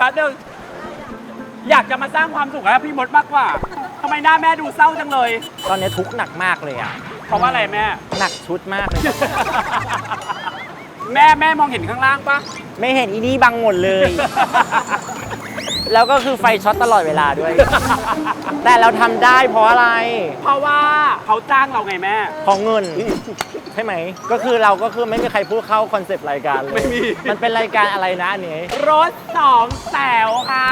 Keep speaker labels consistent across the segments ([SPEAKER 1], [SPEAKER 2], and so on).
[SPEAKER 1] ป๊บนึงอยากจะมาสร้างความสุขให้พี่มดมากกว่าทำไมหน้าแม่ดูเศร้าจังเลย
[SPEAKER 2] ตอนนี้ทุกข์หนักมากเลยอ่ะ
[SPEAKER 1] เพราะว่าอะไรแม่
[SPEAKER 2] หนักชุดมากเลย
[SPEAKER 1] แม่มองเห็นข้างล่างปะ
[SPEAKER 2] ไม่เห็นอีนี่บังหมดเลย แล้วก็คือไฟช็อตตลอดเวลาด้วย แต่เราทำได้เพราะอะไร
[SPEAKER 1] เพราะว่าเขาจ้างเราไงแม่
[SPEAKER 2] เพราะเงิน ใช่ไหม ก็คือเราก็คือไม่มีใครพูดเข้าคอนเซปต์รายการเลย
[SPEAKER 1] ไม่มี
[SPEAKER 2] มันเป็นรายการอะไรนะอันนี้
[SPEAKER 1] รถสองแถวค่ะ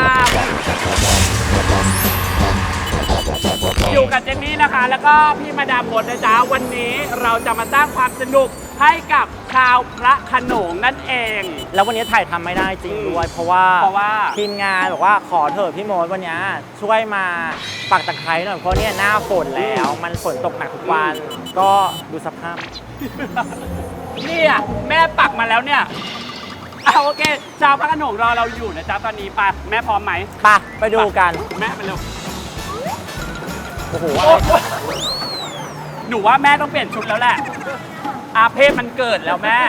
[SPEAKER 1] อยู่กับเจนนี่นะคะ แล้วก็พี่มาดามมดนะจ๊ะวันนี้เราจะมาสร้างความสนุกให้กับชาวพระโขนงนั่นเอง
[SPEAKER 2] แล้ววันนี้ถ่ายทำไม่ได้จริงด้วย เพราะว่าทีมงานบอกว่าขอเถอะพี่โมดวันนี้ช่วยมาปักตะไคร้หน่อยเพราะเนี่ยหน้าฝนแล้ว มันฝนตกหนักทุกวัน ก็ดูสภาพ
[SPEAKER 1] เนี่ยแม่ปักมาแล้วเนี่ยเอาโอเคชาวพระโขนงรอเราอยู่นะจ๊ะตอนนี้ไปแม่พร้อมไหม
[SPEAKER 2] ไปดูกัน
[SPEAKER 1] แม่ไปเร็ว
[SPEAKER 2] โอ้โห
[SPEAKER 1] หนูว่าแม่ต้องเปลี่ยนชุดแล้วแหละ อาเพศมันเกิดแล้วแม่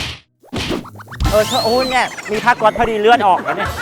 [SPEAKER 2] โอ้เนี่ยมีผ้าก๊อซพอดีเลือดออกแล้วเนี่ย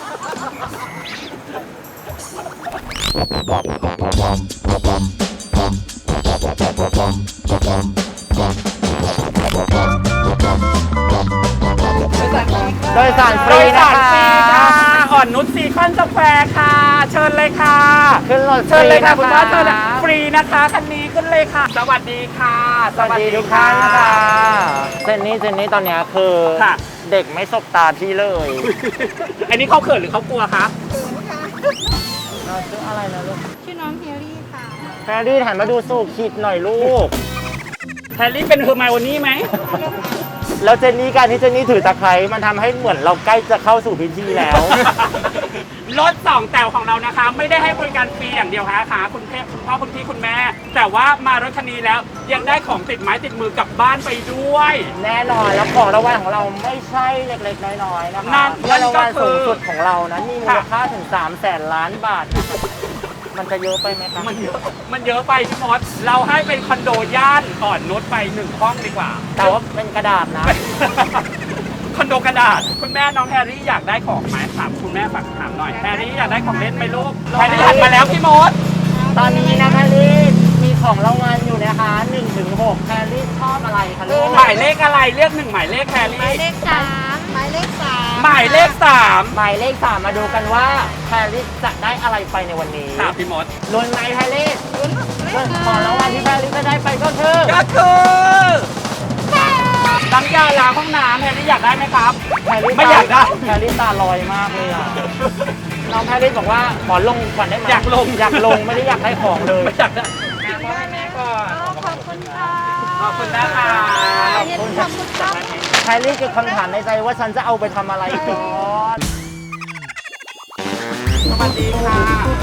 [SPEAKER 2] โดยสารฟรีนะคะ
[SPEAKER 1] อ่อนนุชซีคอนสแควร์ค่ะ เชิญเลยค่ะ
[SPEAKER 2] ขึ้นรถ
[SPEAKER 1] เชิญเลยค่ะ
[SPEAKER 2] ฟรี
[SPEAKER 1] คุณพ่อเชิญเลยฟรีนะคะคันนี้ขึ้นเลยค่ะ สวัสดีค่ะ
[SPEAKER 2] สวัสดีทุกท่านนะคะเจนนี่ตอนเนี้ยคือ
[SPEAKER 1] ค่ะ
[SPEAKER 2] เด็กไม่สบตาพี่เลย
[SPEAKER 1] อันนี้เขาเขินหรือเขากลัวคะ
[SPEAKER 2] เราชื่ออะไรนะลูก
[SPEAKER 3] ชื่อน้องเฮลลี่ค่ะ
[SPEAKER 2] แพรรี่หันมาดูสูบคิดหน่อยลูก
[SPEAKER 1] แฮร์รี่เป็นเฮอร์ไมโอนี่ไหม
[SPEAKER 2] แล้วเจนนี่การที่เจนนี่ถือตะไคร้มันทำให้เหมือนเราใกล้จะเข้าสู่พิธีแล้ว
[SPEAKER 1] รถสองแถวของเรานะคะ ไม่ได้ให้บริการฟรีอย่างเดียวค่ะคุณพ่อคุณพี่คุณแม่ แต่ว่ามารถคันนี้แล้วยังได้ของติดไม้ติดมือกลับบ้านไปด้วย
[SPEAKER 2] แน่นอนแล้วของรางวัลของเราไม่ใช่เล็กๆน้อยๆนะคะ
[SPEAKER 1] นั่น
[SPEAKER 2] เงินรางวัล
[SPEAKER 1] ก็คือ
[SPEAKER 2] สูงสุดของเรานะมีมูลค่าถึง300,000 ล้านบาทนะคะมันจะเยอะไปไหมคะ
[SPEAKER 1] มันเยอะไปพี่มดเราให้เป็นคอนโดย่านอ่อนนุชไป1 ห้องดีกว่า
[SPEAKER 2] แต่ว่าเป็นกระดาษนะ
[SPEAKER 1] คอนโดกระดาษคุณแม่น้องแฮร์รี่อยากได้ของไหมถามคุณแม่ฝากถามหน่อยแฮร์รี่อยากได้ของเล่นไหมลูกแฮร์รี่หันมาแล้วพี่มด
[SPEAKER 2] ตอนนี้นะคะลิศมีของรางวัลอยู่นะคะ1-6แพรรี่ชอบอะไรคะลูก
[SPEAKER 1] หมายเลขอะไรเรียก1หมายเลขแฮร์
[SPEAKER 3] หมาย
[SPEAKER 1] รี่
[SPEAKER 3] เลข3หมายเลข3
[SPEAKER 1] หมายเลข3
[SPEAKER 2] หมายเลข3มาดูกันว่าแพรรี่จะได้อะไรไปในวันนี้
[SPEAKER 1] ถามพี่มด
[SPEAKER 2] ลุ้นไหมแพรรี่ของรางวัลที่แพรรี่จะได้ไปก็คือ
[SPEAKER 1] ก็คือน้ำยาล้างห้องน้ำแฮร์รี่อยากได้ไหมครับ
[SPEAKER 2] แพรรี่
[SPEAKER 1] ไม่อยากได้
[SPEAKER 2] แพรรี่ตาลอยมากเลยอ่ะน้องแพรรี่บอกว่าขอลงก่อนได้ไหม
[SPEAKER 1] อยากลง
[SPEAKER 2] ไม่ได้อยากได้ของเลย
[SPEAKER 1] ไม่อยากได้แม่ก่อน
[SPEAKER 3] ขอบคุณค่ะ
[SPEAKER 1] ขอบคุณนะคะ
[SPEAKER 3] เย็นขอบคุณครับ
[SPEAKER 2] แพรรี่เกิดคำถามในใจว่าฉันจะเอาไปทำอะไรก่อน
[SPEAKER 1] สวัสดีค่ะ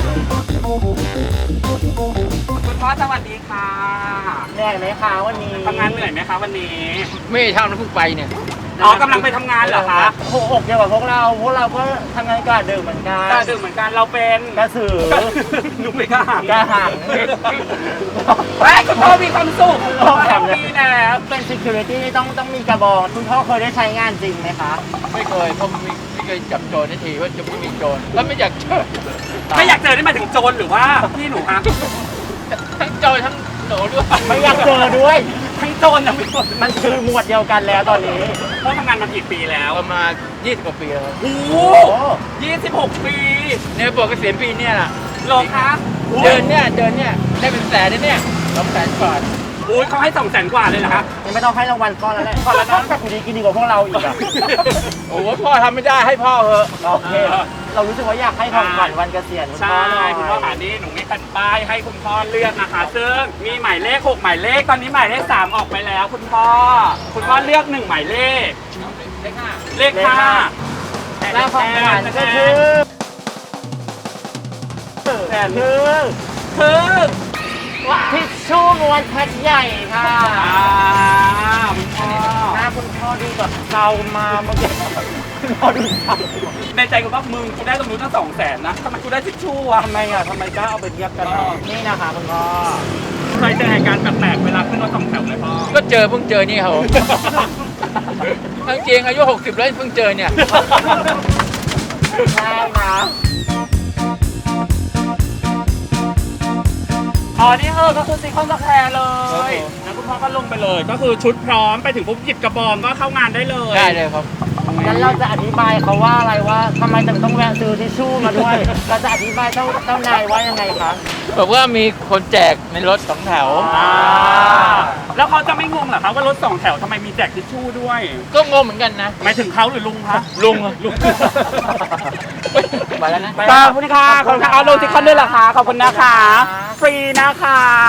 [SPEAKER 1] คุณพ่อสวัสดีค่ะ
[SPEAKER 2] เหนื่อยไหมคะวันนี้
[SPEAKER 1] ทำงานเหนื่อยไหมคะวันนี้
[SPEAKER 4] ไม่ทำแล้วเพิ่งไปเนี่ย
[SPEAKER 1] อ๋อกำลังไปทำงานเหรอคะ
[SPEAKER 2] หัวอกเดียวกับพวกเราก็ทำงานกะดึกเหมือนกัน
[SPEAKER 1] ก็ดื่มเหมือนกันเราเป็น
[SPEAKER 2] กระสือ
[SPEAKER 1] หนูไม่กล้าหัน
[SPEAKER 2] กระหัง
[SPEAKER 1] เฮ้ยคุณพ่อมีความสุขแฮปปี้นะ
[SPEAKER 2] เป็น security ต้องมีกระบองคุณพ่อเคยได้ใช้งานจริงไหมคะ
[SPEAKER 4] ไม่เคยเพราะไม่เคยจับโจรนาทีว่าจะไม่มีโจรแล้วไม่อยากเจอ
[SPEAKER 1] ไม่อยากเจอได้หมายถึงโจรหรือว่าพี่หนูคะ
[SPEAKER 4] ทั้งโจรทั้งหนูด้วย
[SPEAKER 2] ไม่อยากเจอด้วย
[SPEAKER 1] ทั้งโจรทั้งไม่โจร
[SPEAKER 2] มันคือหมวดเดียวกันแล้วตอนนี้
[SPEAKER 1] พ่อทำงานมากี่ปีแล้ว
[SPEAKER 4] ประมาณ20 กว่าปีแล้ว
[SPEAKER 1] โอ้โห26 ปี
[SPEAKER 4] เนี่ยบอกเกษียณปีเนี่ยแหละ
[SPEAKER 1] เหรอคะ
[SPEAKER 4] เดินเนี่ยได้เป็นแสนเนี่ย200,000 บาท
[SPEAKER 1] อุ้ยเขาให้200,000 กว่าเลยเหรอคะ
[SPEAKER 2] ยังไม่ต้องให้รางวัลก้อนแล้วแหละ
[SPEAKER 1] ก้อนละน้อย
[SPEAKER 2] แต่คุณดีกินดีกว่าพวกเราอีกอะ
[SPEAKER 4] โอ้โหพ่อทำไม่ได้ให้พ่อเหอะ
[SPEAKER 2] โอเค เรารู้สึกว่าอยากให้ของขวัญวันเกษียณคุณ
[SPEAKER 1] ใช่
[SPEAKER 2] พ่อหน่อย
[SPEAKER 1] คุณพ่อหานี่หนูมีแผ่นป้ายให้คุณพ่อเลือกนะคะ ซึ่งมีหมายเลข6หมายเลขตอนนี้หมายเลข3ออกไปแล้ว คุณพ่อเลือก1หมายเลขเลข5
[SPEAKER 2] แล้วของขวัญก็คือ
[SPEAKER 1] คือ
[SPEAKER 2] ทิชชู่ม้วนแพ็คใหญ่ค่ะ
[SPEAKER 1] คุณพ่อ
[SPEAKER 2] หน้าคุณพ่อดูแบบเศร้ามาเมื่อกี้คุณพ่อดูเศร้า
[SPEAKER 1] ในใจคุณพ่อมึงกูได้ตรงนู้นตั้ง200,000นะทำไมกูได้ทิชชู่วะ
[SPEAKER 2] ทำไมกล้าเอาไปเทียบกันนี่นะคะคุณพ่อ
[SPEAKER 1] เคยเจอเหตุการณ์แปลกๆเวลาขึ้นรถ2 แถวไหมพ่อ
[SPEAKER 4] ก็เพิ่งเจอนี่ครับทั้งจริงอายุ60แล้วเพิ่งเจอเนี่ย
[SPEAKER 2] ใช่นะ
[SPEAKER 1] อ๋อ นี่ก็คือซีคอนสแควร์เลยแล้วคุณพ่อก็ลงไปเลย ก็คือชุดพร้อมไปถึงปุ๊บหยิบกระบองก็เข้างานได้เลย
[SPEAKER 4] ได้เลยครับ
[SPEAKER 2] งั้นเราจะอธิบายเขาว่าอะไรว่าทำไมถึงต้องแวะซื้อทิชชู่มาด้วย เราจะอธิบายเจ้านายว่ายังไงคะ
[SPEAKER 4] บอกว่ามีคนแจกในรถสองแถว
[SPEAKER 1] แล้วเขาจะไม่งงเหรอครับว่ารถสองแถวทำไมมีแจกทิชชู่ด้วย
[SPEAKER 4] ก็งงเหมือนกันนะ
[SPEAKER 1] หมายถึงเขาหรือลุงคะ
[SPEAKER 4] ลุง
[SPEAKER 1] ลุง
[SPEAKER 4] ไปแล้วนะ
[SPEAKER 1] ขอบคุณค่ะขอบคุณค่ะเอาลงซิคอนด้วยเหรอคะขอบคุณนะคะ ฟรีนะคะ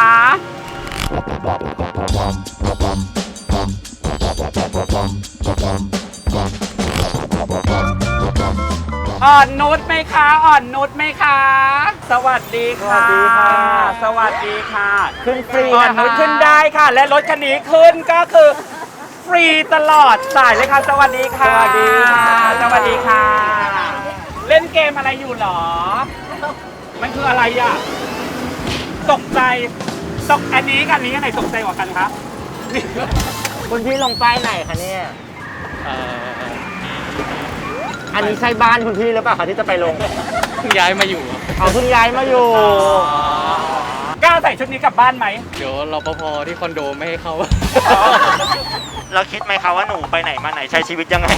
[SPEAKER 1] อ่อนนุชไหมคะ อ่อนนุชไหมคะ สวัสดีค่ะ
[SPEAKER 2] สวัสดีค่ะ
[SPEAKER 1] สวัสดีค่ะ
[SPEAKER 2] ขึ้นฟรี
[SPEAKER 1] อ่อน
[SPEAKER 2] นะคะ
[SPEAKER 1] นุชขึ้นได้ค่ะ และรถคันนี้ขึ้นก็คือฟรีตลอดสายเลยค่ะ สวัสดีค่ะ
[SPEAKER 2] สวัสดีค่ะ
[SPEAKER 1] สวัสดีค่ะ เล่นเกมอะไรอยู่หรอ มันคืออะไรอ่ะ ตกใจอันนี้กับอันนี้อันไหนตกใจกว่ากันคะ
[SPEAKER 2] คุณพี่ลงป้ายไหนคะเนี่ย อันนี้ใช่บ้านคุณพี่หรือเปล่าคะที่จะไปลง
[SPEAKER 4] ย้ายมาอยู่
[SPEAKER 2] เอาเพิ่งย้ายมาอยู่
[SPEAKER 1] กล้าใส่ชุดนี้กลับบ้านไหม
[SPEAKER 4] เดี๋ยวรปภที่คอนโดไม่ให้เข้า
[SPEAKER 2] เราคิดไหมคะว่าหนูไปไหนมาไหนใช้ชีวิตยังไง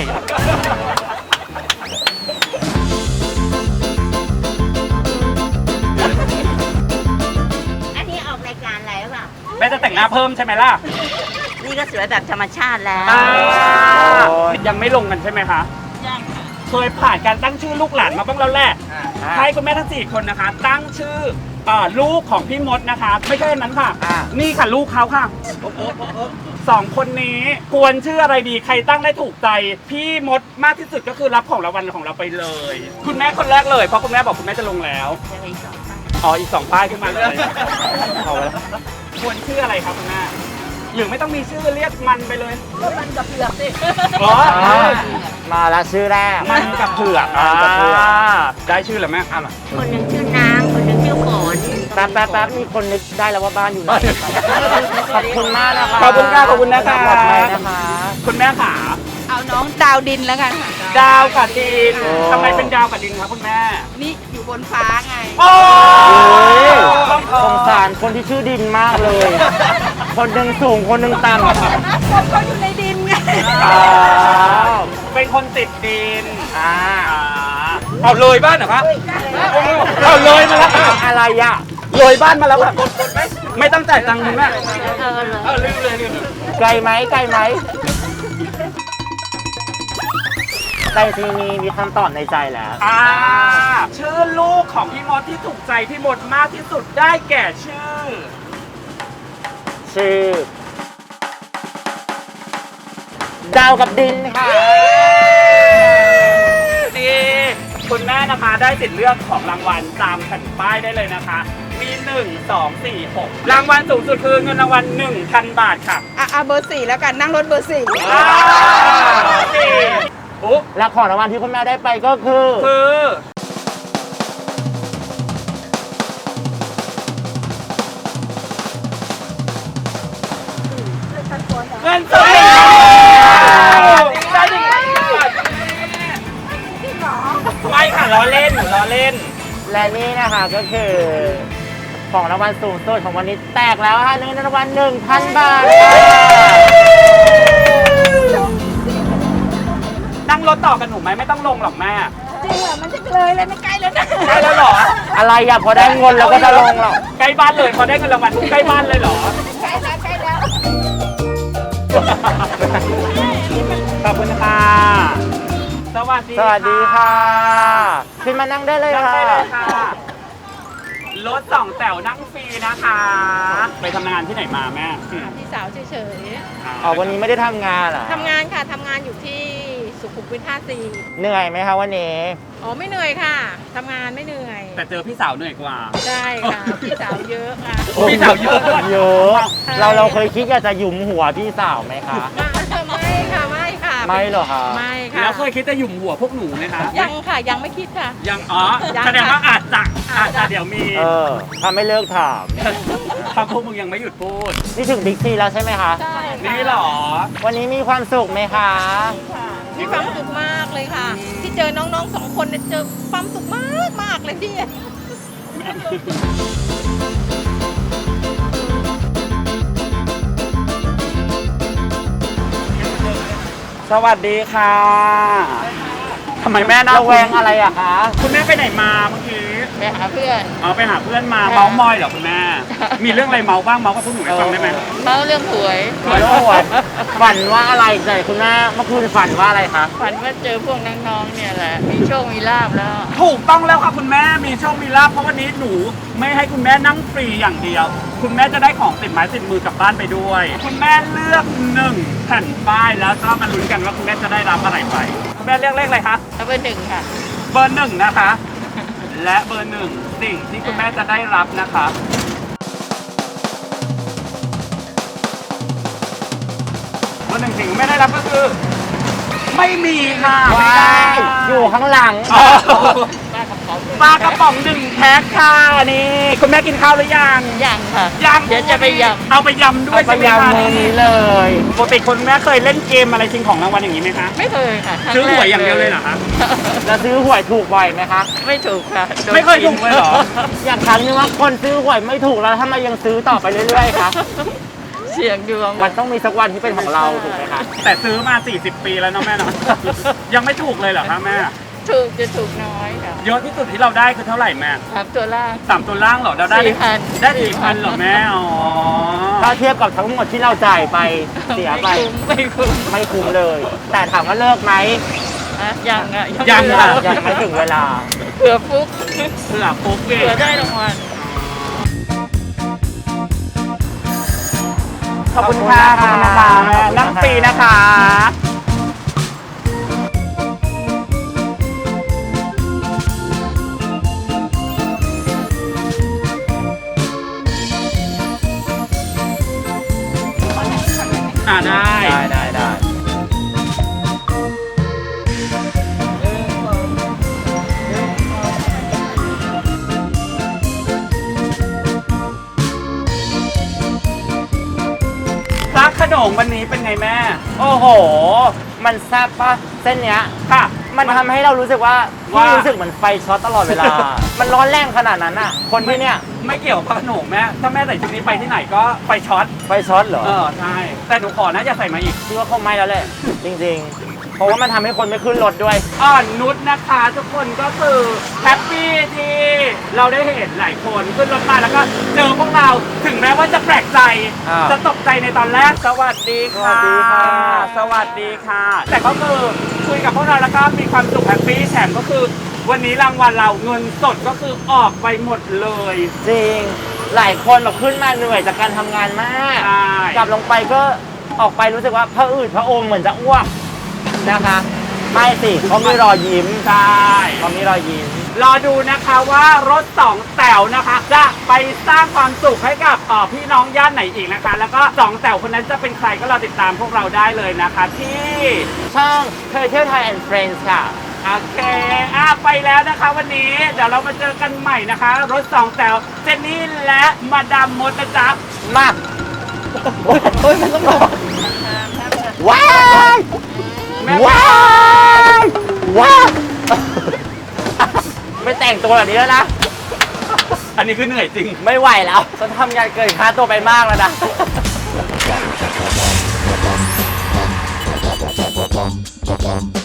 [SPEAKER 3] อันนี้ออกรายการอะไรหรือเปล่า
[SPEAKER 1] แม่จะแต่งหน้าเพิ่มใช่ไหมล่ะ
[SPEAKER 3] นี่ก็สวยแบบธรรมชาติแล้ว
[SPEAKER 2] โอ้ย
[SPEAKER 1] ยังไม่ลงกันใช่ไหมคะ
[SPEAKER 3] ยังค่ะ
[SPEAKER 1] เคยผ่านการตั้งชื่อลูกหลานมาบ้างแล้วแหละให้คุณแม่ทั้ง4คนนะคะ ตั้งชื่อลูกของพี่มดนะคะ ไม่ใช่อันนั้นค่ะ นี่ค่ะลูกเขาค่ะสองคนนี้ควรชื่ออะไรดีใครตั้งได้ถูกใจพี่มดมากที่สุดก็คือรับของรางวัลของเราไปเลย คุณแม่คนแรกเลยเพราะคุณแม่บอกคุณแม่จะลงแล้ว
[SPEAKER 3] จะไปสองท่าน
[SPEAKER 1] อ๋ออีก2ป้ายขึ้นมาเลยเอาไว้แล้วควรชื่ออะไรครับคุณแม่หรือไม่ต้องมีชื่อเรียกมันไปเลย
[SPEAKER 3] ก็มันกับเผือกสิ
[SPEAKER 1] อ๋อ
[SPEAKER 2] มาแล้วชื่อแรก
[SPEAKER 1] มันกับเผือก
[SPEAKER 2] มันกับเผือก
[SPEAKER 1] ได้ชื่อแล้วแม่อ่ะมา
[SPEAKER 3] คนหนึ่งชื่อนาง คนหนึ่งชื่อฝน
[SPEAKER 2] แป๊บมีคนนึกได้แล้วว่าบ้านอยู่ไหน ขอบคุณมากนะคะ
[SPEAKER 1] ขอบคุณค่ะขอบคุณนะคะ
[SPEAKER 2] ปลอดภัยนะคะ
[SPEAKER 1] คุณแม่ขา
[SPEAKER 3] เอาน้องดาวดินแล้วกันค่ะ
[SPEAKER 1] ดาวกับดิน
[SPEAKER 2] โอ้
[SPEAKER 1] ทำไมเป็นดาวกับดินครับคุณแม่
[SPEAKER 3] นี่อยู่บนฟ้าไง
[SPEAKER 1] โอ้
[SPEAKER 2] สงสารคนที่ชื่อดินมากเลย คนหนึ่งสูงคนหนึ่งต่ำ
[SPEAKER 3] คนเขาอยู่ในดินไง
[SPEAKER 1] อ๋อเป็นคนติดดิน
[SPEAKER 2] อ่า
[SPEAKER 1] เอาเลยบ้านเหรอคะเอาเลยมาแล้ว
[SPEAKER 2] อะไรอ่ะ
[SPEAKER 1] เลยบ้านมาแล้วค่ะไม่ต้องจ่ายตังค์คุณแม่
[SPEAKER 3] เลย
[SPEAKER 1] ลืมเลย
[SPEAKER 2] ไกลไหมไกลไหมแต่ทีนี้มีคำตอบในใจแล้ว
[SPEAKER 1] ชื่อลูกของพี่มดที่ถูกใจพี่มดมากที่สุดได้แก่ชื่อ
[SPEAKER 2] ชื่อ ดาวกับดินค่ะ
[SPEAKER 1] ดีคุณแม่นะคะได้สิทธิ์เลือกของรางวัลตามแผ่นป้ายได้เลยนะคะ มี 1 2 4 6 รางวัลสูงสุดคือเงินรางวัล 1,000 บาทค่ะ
[SPEAKER 3] อ่ะเบอร์ 4 แล้วกัน นั่งรถเบอร์ 4
[SPEAKER 1] สี่อุ๊บ
[SPEAKER 2] และของรางวัลที่คุณแม่ได้ไปก็คือ
[SPEAKER 1] คือเงินสดได้จริงไม่ค่ะล้อเล่นล้อเล่น
[SPEAKER 2] และนี่นะคะก็คือของรางวัลสูงสุดของวันนี้แตกแล้วค่ะเงินรางวัล 1,000 บาทค่ะ
[SPEAKER 1] นั่งรถต่อกันหนูไหมไม่ต้องลงหรอกแม่
[SPEAKER 3] จริงเหรอมันจะเลยเลยไม่ใกล้แล้วนะ
[SPEAKER 1] ใกล้แล้วเหรอ
[SPEAKER 2] อะไรอ่ะพอได้เงินเราก็จะลงหรอก
[SPEAKER 1] ใกล้บ้านเลยพอได้เงินรางวัลใกล้บ้านเลยเหรอ
[SPEAKER 3] ใกล้แล้วใกล้แล้ว
[SPEAKER 1] ขอบคุณค่ะ สวัสดี
[SPEAKER 2] สวัสดีค่ะขึ้นมานั่งได้เลย
[SPEAKER 1] นั่ง
[SPEAKER 2] ค่ะ
[SPEAKER 1] ได้เลยค่ะ รถ2 แถวนั่งฟรีนะคะ ไปทำงานที่ไหนมาแม่
[SPEAKER 3] พี่สาวเฉย
[SPEAKER 2] อ๋อวันนี้ไม่ได้ทำงานเหรอ
[SPEAKER 3] ๆทำงานค่ะทำงานอยู่ที่สุขุมวิท54
[SPEAKER 2] เหนื่อยไหมคะวันนี้
[SPEAKER 3] อ๋อไม่เหนื่อยค่ะทำงานไม่เหนื่อย
[SPEAKER 1] แต่เจอพี่สาวเหนื่อยกว่า
[SPEAKER 3] ได้ค่ะ พี่สาวเยอะค่ะ
[SPEAKER 1] พี่สาวเยอะด้วย
[SPEAKER 2] เยอะ เราเคยคิดอยากจะหยุมหัวพี่สาวไหมคะ
[SPEAKER 3] ไม่ค่ะไม่ค่ะ
[SPEAKER 2] ไม่เหรอคะ
[SPEAKER 3] ไม่ค่ะ
[SPEAKER 1] แล้วเคยคิดจะหยุ่มหัวพวกหนูไหมคะ
[SPEAKER 3] ยังค่ะยังไม่คิดค่ะ
[SPEAKER 1] ยังอ๋อ
[SPEAKER 3] ยัง
[SPEAKER 1] แสดงว่า
[SPEAKER 3] ค่ะ
[SPEAKER 1] อาจจะเดี๋ยวมี
[SPEAKER 2] ถ้าไม่เลิกถาม
[SPEAKER 1] ถ้าพวกมึงยังไม่หยุดพูด
[SPEAKER 2] นี่ถึงบิ๊กซีแล้วใช่ไหมคะ
[SPEAKER 3] ใช่ค่ะ
[SPEAKER 1] นี่เหรอ
[SPEAKER 2] วันนี้มีความสุขไหมคะ
[SPEAKER 3] มีความสุขมากเลย
[SPEAKER 5] เลยค่ะ ที่เจอน้องๆสองคนเนี่ยเจอความสุขมากเลยพี่
[SPEAKER 1] สวัสดีค่ะทำไมแม่น่า
[SPEAKER 2] ระแวงอะไรอะคะ
[SPEAKER 1] คุณแม่ไปไหนมาเมื่อกี้
[SPEAKER 5] ไปหาเพื่อน
[SPEAKER 1] เอาไปหาเพื่อนมาเมาส์มอยเหรอคุณแม่ มีเรื่องอะไรเมาส์บ้างเมาส์กับพวกหนูให้ฟังได้ไหม
[SPEAKER 5] เล่าเรื่องหวย
[SPEAKER 2] โอ้โหฝันว่าอะไรใจคุณแม่เมื่อคืนฝันว่าอะไรคะ
[SPEAKER 5] ฝันว่าเจอพวกน้องๆเนี่ยแหละ มีโชคมีลาบแล้ว
[SPEAKER 1] ถูกต้องแล้วค่ะคุณแม่มีโชคมีลาภเพราะวันนี้หนูไม่ให้คุณแม่นั่งฟรีอย่างเดียว คุณแม่จะได้ของติดไม้ติดมือกลับบ้านไปด้วย คุณแม่เลือก1แผ่นป้ายแล้วก็มาลุ้นกันว่าคุณแม่จะได้รับอะไรไปคุณแม่เลือกเลขอะไรคะ
[SPEAKER 5] เอาไปหนึ่งค่ะ
[SPEAKER 1] เบอร์1นะคะ และเบอร์1สิ่งที่คุณแม่จะได้รับนะคะเบอร์1สิ่งที่แม่ได้รับก็คือ ไม่มีค่ะไม่ได้
[SPEAKER 2] อยู่ข้างหลัง
[SPEAKER 1] อ๋อ
[SPEAKER 5] ป้ากระเป๋า
[SPEAKER 1] ปลากระป๋อง1แพ็คค่ะนี่คุณแม่กินข้าวหรือยัง
[SPEAKER 5] ยังค่ะ
[SPEAKER 1] ยัง
[SPEAKER 5] เดี๋ยวจะไปย
[SPEAKER 1] เอาไปยำด้วย
[SPEAKER 2] พ
[SPEAKER 1] ใช่ไหม
[SPEAKER 2] ยายาม
[SPEAKER 1] คะ
[SPEAKER 2] มือนี้เลย
[SPEAKER 1] ปกติคุณแม่เคยเล่นเกมอะไรชิงของรางวัลอย่างนี้ไหมคะ
[SPEAKER 5] ำไม่เคยค่ะครั้
[SPEAKER 1] ซื้อหวย
[SPEAKER 5] แรก
[SPEAKER 1] อย่างเดียวเลยเหรอคะ
[SPEAKER 2] แล้วซื้อหวยถูกบ่อยไหมคะ
[SPEAKER 5] ไม่ถูกค่ะโดน
[SPEAKER 1] ไม่เคยถูกเลยเหรอ
[SPEAKER 2] อย่างครั้งนึงว่าคนซื้อหวยไม่ถูกแล้วทำไมยังซื้อต่อไปเรื่อยๆคะ
[SPEAKER 5] เสี่ยงดวง
[SPEAKER 2] มันต้องมีสักวันที่เป็นของเราถูกไหมคะ
[SPEAKER 1] แต่ซื้อมา 40 ปีแล้วเนาะแม่เนาะ ยังไม่ถูกเลยเหรอคะแม่
[SPEAKER 5] ถูกจะถูกน้อยค่ะ
[SPEAKER 1] เยอะที่สุดที่เราได้คือเท่าไหร่แม่
[SPEAKER 5] สามตัวล่าง
[SPEAKER 1] 3 ตัวล่างเหรอเราได้
[SPEAKER 5] 4,000
[SPEAKER 1] ได้4,000เหรอแม่อ๋อ
[SPEAKER 2] ถ้าเทียบกับทั้งหมดที่เราจ่ายไปเสียไป
[SPEAKER 5] ไม่คุ้ม
[SPEAKER 2] ไม่คุ้มเลย แต่ถามว่าเลิกไหม
[SPEAKER 5] อะยังอ่ะ
[SPEAKER 1] ยัง
[SPEAKER 5] ไม่
[SPEAKER 1] ค่ะ
[SPEAKER 5] เลิก
[SPEAKER 2] ยังไม่ถึงเวลา
[SPEAKER 5] เผื่อฟุก
[SPEAKER 1] เผื่อปุ๊บเอง
[SPEAKER 5] เผื่อได้รางวัล
[SPEAKER 1] ขอบคุณค่ะขอบคุณนะคะนั่งฟรีนะคะ ได้
[SPEAKER 2] ได้
[SPEAKER 1] พระขนงวันนี้เป็นไงแม่
[SPEAKER 2] โอ้โห มันแซ่บปะเส้นเนี้ย
[SPEAKER 1] ค่ะ
[SPEAKER 2] มันทำให้เรารู้สึกว่า
[SPEAKER 1] ว่า
[SPEAKER 2] พี่รู้สึกเหมือนไฟช็อตตลอดเวลา มันร้อนแรงขนาดนั้นอ่ะ คนที่เนี่ย
[SPEAKER 1] ไม่เกี่ยวกับพระขนงแม่ถ้าแม่ใส่ชุดนี้ไปที่ไหนก็ไฟช็อต
[SPEAKER 2] ไฟช็อตเหรอ
[SPEAKER 1] ใช่ แต่หนูขอนะอย่าใส่มาอีก
[SPEAKER 2] พี่ว่าคงไม่แล้วแหละ จริงๆ เพราะว่ามันทำให้คนไม่ขึ้นรถด้วย
[SPEAKER 1] อ่อนนุชนะคะทุกคนก็คือแฮปปี้ที่เราได้เห็นหลายคนขึ้นรถมาแล้วก็เจอพวกเราถึงแม้ว่าจะแปลกใจ
[SPEAKER 2] อ่า
[SPEAKER 1] จะตกใจในตอนแรก สวัสดีค่ะ
[SPEAKER 2] สวัสดีค่ะ
[SPEAKER 1] สวัสดีค่ะ แต่ก็คือคุยกับพวกเราแล้วก็มีความสุขแฮปปี้แถมก็คือ วันนี้รางวัลเราเงินสดก็คือออกไปหมดเลย
[SPEAKER 2] จริง หลายคนแบบขึ้นมาเหนื่อยจากการทำงานมาก
[SPEAKER 1] ใช่
[SPEAKER 2] กลับลงไปก็ออกไปรู้สึกว่าพระอืดพระอมเหมือนจะอ้วกนะคะ ไม่สิเขามีรอยยิ้ม
[SPEAKER 1] ใช่
[SPEAKER 2] เขามีรอยยิ้ม
[SPEAKER 1] รอดูนะคะว่ารถ2แถวนะคะ จะไปสร้างความสุขให้กับพี่น้องย่านไหนอีกนะคะ แล้วก็2แถวคนนั้นจะเป็นใครก็รอติดตามพวกเราได้เลยนะคะที่
[SPEAKER 2] ช่องเคยเที่ยวไทยแอนด์เฟรนด์ค่ะ
[SPEAKER 1] โอเคไปแล้วนะคะวันนี้เดี๋ยวเรามาเจอกันใหม่นะคะ รถ2แถวเจนนี่และมาดามมดนะจ๊ะ
[SPEAKER 2] มากโอ้ยมันต้องรอว้ายว้ายว้ายไม่แต่งตัวแบบนี้แล้วนะ
[SPEAKER 1] อันนี้คือเหนื่อยจริง
[SPEAKER 2] ไม่ไหวแล้วฉันทำงานเกินค่าตัวไปมากแล้วนะ
[SPEAKER 6] Ba-bum, ba-bum.